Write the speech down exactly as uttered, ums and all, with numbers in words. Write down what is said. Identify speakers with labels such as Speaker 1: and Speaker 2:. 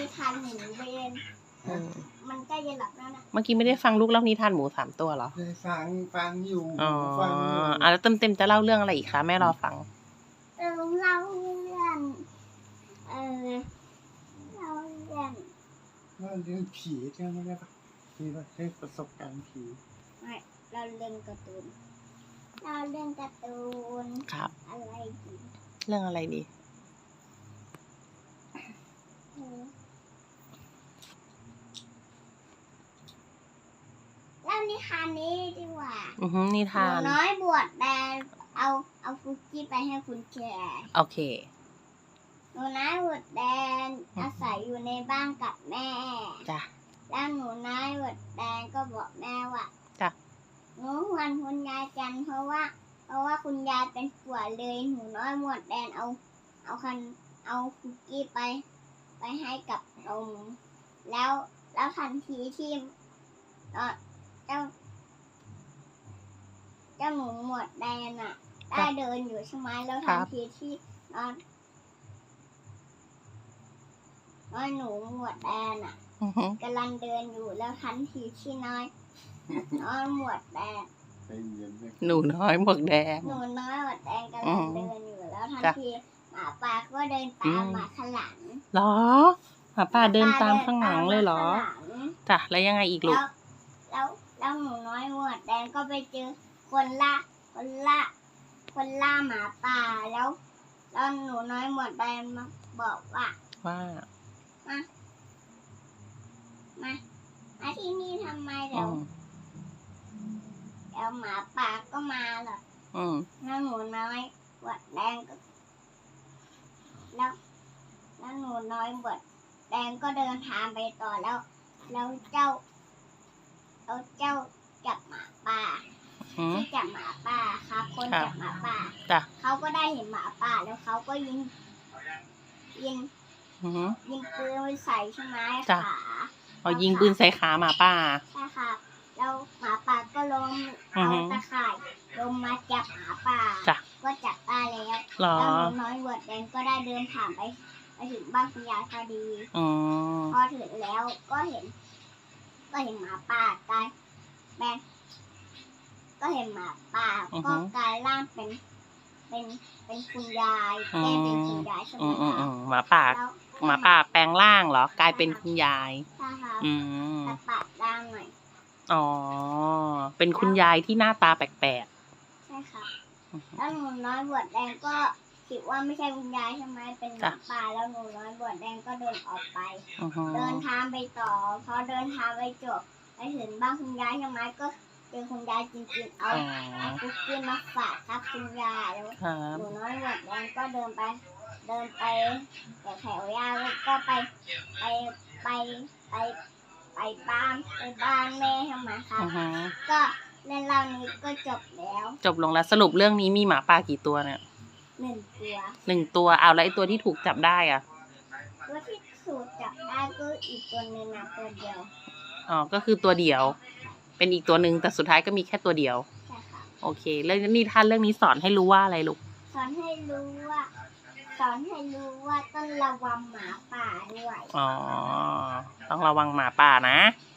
Speaker 1: นิทานหมูเบน
Speaker 2: อืม
Speaker 1: มันใกล้จะหลับแล้วนะ
Speaker 2: เมื่อกี้ไม่ได้ฟังลูกเล่านิทานหมูสามตัวเหรอ
Speaker 3: ได้ฟังฟังอยู่
Speaker 2: อ๋อ
Speaker 3: ฟังอยู่
Speaker 2: อ่ะแล้วเต็มเต็มๆจะเล่าเรื่องอะไรอีกคะแม่รอฟัง
Speaker 1: เออเล่าเรื่องเออเล่าเรื่อง
Speaker 3: ว่าเรื่องผีใช่ไหมได้ปะที่ว่าให้ประสบการณ์ผี
Speaker 1: ไม่เราเรื่องการ์ตูนเราเรื่องการ์ตูน
Speaker 2: ครับ
Speaker 1: อะไรดี
Speaker 2: เรื่องอะไรดี
Speaker 1: เออเล่านิทานนี้ดีกว่า
Speaker 2: อือฮึนิ
Speaker 1: หนู
Speaker 2: ทาน
Speaker 1: น้อยบวชแดงเอาเอาคุกกี้ไปให้คุณแชร์
Speaker 2: โอเค
Speaker 1: หนูน้อยบวชแดงอาศัยอยู่ในบ้านกับแม่
Speaker 2: จ้ะ
Speaker 1: แล้วหนูน้อยบวชแดงก็บอกแม่ว่า
Speaker 2: จ้ะ
Speaker 1: หนูหวนคุณยายจันเพราะว่า เพราะว่าคุณยายเป็นป่วยเลยหนูน้อยบวชแดงเอาเอาคันเอาคุกกี้ไป ไปให้กับนมแล้วแล้วทันทีที่เอ่อเจ้า เจ้าหนูหมวดแดงอ่ะ ได้เดินอยู่ใช่ไหมแล้วทันทีที่นอนน้อยหนูหมวดแดงอ่ะ
Speaker 2: อือฮึ
Speaker 1: กำลังเดินอยู่แล้วทันทีที่น้อยน้อยหมวดแดง
Speaker 3: ใจเย็นเลย
Speaker 2: หนูน้อยหมวกแดง
Speaker 1: หนูน้อยหมวดแดงกำลังเดินอยู่แล้วทัน
Speaker 2: จ้ะ
Speaker 1: ทีหมาป่าก็เดินตามมาข้างหลัง
Speaker 2: เหรอหมาป่าเดินตามข้างหลังเลยเหรอ
Speaker 1: ข้างหลัง
Speaker 2: จ้ะแล้วยังไงอีกลู
Speaker 1: แล้
Speaker 2: ก
Speaker 1: วแล้วแล้วหนูน้อยหมวดแดงก็ไปเจอคนล่าคนล่าคนล่าหมาป่าแล้วแล้วหนูน้อยหมวดแดงมาบอกว่า
Speaker 2: ว่า
Speaker 1: มามามาที่นี่ทำไม
Speaker 2: อื
Speaker 1: เดี๋ยว
Speaker 2: ม
Speaker 1: เดี๋ยวหมาป่าก็มาหรอก
Speaker 2: อืม
Speaker 1: แล้วหนูน้อยหมวดแดงก็แล้วแล้วหนูน้อยหมวดแดงก็เดินทางไปต่อแล้ว แล้วเจ้าแล้วเจ้าจับหมาป่า
Speaker 2: อืม
Speaker 1: ที่จับหมาป่าครับคน
Speaker 2: ครับ
Speaker 1: จับหมาป่า
Speaker 2: จ้ะ
Speaker 1: เขาก็ได้เห็นหมาป่าแล้วเขาก็ยิงยิง
Speaker 2: อือฮึ
Speaker 1: ยิงปืนไปใส่ใช่ไหม
Speaker 2: จ้ะ
Speaker 1: ขา
Speaker 2: เอายิงปืนใส่ขาหมาป่า
Speaker 1: ใช่ค่ะแล้วหมาป่าก็ลง
Speaker 2: อือ
Speaker 1: เอา
Speaker 2: ฮึ
Speaker 1: ตะข่ายลงมาจับหมาป่า
Speaker 2: จ้ะ
Speaker 1: ก็จับได้แล้ว
Speaker 2: เหรอ
Speaker 1: แล้วหนูน้อยเวิร์ดแดงก็ได้เดินผ่านไปไปถึงบ้านคุณยายพอดี
Speaker 2: อืม
Speaker 1: พอถึงแล้วก็เห็น ก็เห็นหมาป่ากลายแปลงก็เห็นหมาป่า
Speaker 2: อือฮึ
Speaker 1: ก็กลายร่างเป็น เป็นเป็นคุณยายแก้เป็นคุณยายใช่ไหม
Speaker 2: อืมอืม
Speaker 1: คะ
Speaker 2: อืมหมาป่า
Speaker 1: แล้ว
Speaker 2: หมาป่าแปลงร่างเหรอ กลายเป็นคุณยาย
Speaker 1: ใช่ค่ะ
Speaker 2: อืม
Speaker 1: แต่ปากด้านหน่อย
Speaker 2: อ๋อ เป็นคุณยายที่หน้าตาแปลก
Speaker 1: ใช่ค่ะ
Speaker 2: ๆอือฮึ
Speaker 1: แล้วหนูน้อยบวชแดงก็คิดว่าไม่ใช่คุณยายใช่ไหมเป็นหมา
Speaker 2: จ้ะ
Speaker 1: ป่าแล้วหนูน้อยบวชแดงก็เดินออกไป
Speaker 2: อือฮึ
Speaker 1: เดินทางไปต่อพอเดินทางไปจบไปถึงบ้านคุณยายใช่ไหมก็เจอคุณยายจริงๆเอา
Speaker 2: อ๋อ
Speaker 1: เอาคุกกี้มาฝากครับคุณยายแล้ว
Speaker 2: ครับ
Speaker 1: หนูน้อยบวชแดงก็เดินไป เดินไปแต่แถวยาวแล้วก็ไปไปไปไปไปบ้านไปบ้านแม่ใช่ไหมคะ
Speaker 2: อือฮึ
Speaker 1: ก็เรื่องราวนี้ก็จบแล้ว
Speaker 2: จบลงแล้วสรุปเรื่องนี้มีหมาป่ากี่ตัวเนี่ย
Speaker 1: หนึ่งตัว
Speaker 2: หนึ่งตัวเอาแล้วไอ้ตัวที่ถูกจับได้อ่ะ
Speaker 1: ตัวที่สูตรจับได้ก็อีกตัวหนึ่งนะตัวเดียว
Speaker 2: อ๋อ ก็คือตัวเดียว เป็นอีกตัวหนึ่งแต่สุดท้ายก็มีแค่ตัวเดียว
Speaker 1: ใช่ค่ะ
Speaker 2: โอเคเรื่องนี้ท่านเรื่องนี้สอนให้รู้ว่าอะไรลูก
Speaker 1: สอนให้รู้ว่า สอนให้รู้ว่าต้องระวังหมาป่าด้วย
Speaker 2: อ๋อ ต้องระวังหมาป่านะ
Speaker 1: ใ